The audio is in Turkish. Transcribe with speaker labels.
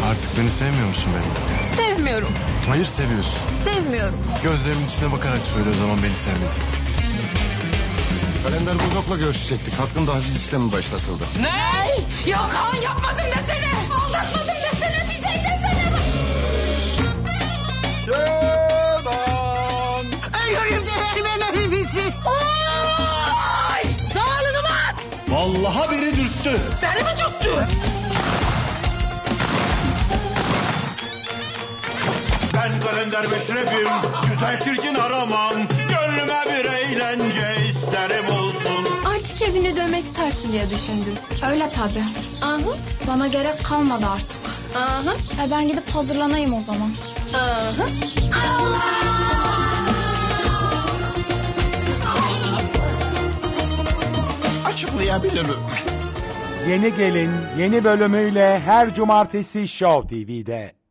Speaker 1: Artık beni sevmiyor musun benim?
Speaker 2: Sevmiyorum.
Speaker 1: Hayır, seviyorsun.
Speaker 2: Sevmiyorum.
Speaker 1: Gözlerimin içine bakarak söyle o zaman beni sevmedin.
Speaker 3: Kalender Bozok'la görüşecektik. Hakkında haciz işlemi başlatıldı.
Speaker 2: Ne? Yok Kaan, yapmadım desene. Aldatmadım desene. Bir şey desene.
Speaker 3: Şeban!
Speaker 4: Ölürüm de vermem hepimizi.
Speaker 2: Ay! Dağılını bak.
Speaker 3: Vallahi biri dürttü.
Speaker 4: Beni mi tuttu?
Speaker 5: Ben kalender Meşref'im, güzel çirkin aramam. Gönlüme bir eğlence isterim olsun.
Speaker 6: Artık evine dönmek istersin diye düşündüm.
Speaker 7: Öyle tabii.
Speaker 6: Aha,
Speaker 7: Bana gerek kalmadı artık.
Speaker 6: aha,
Speaker 7: Ben gidip hazırlanayım o zaman.
Speaker 6: aha.
Speaker 3: Açıklayabilirim.
Speaker 8: Yeni Gelin yeni bölümüyle her cumartesi Show TV'de.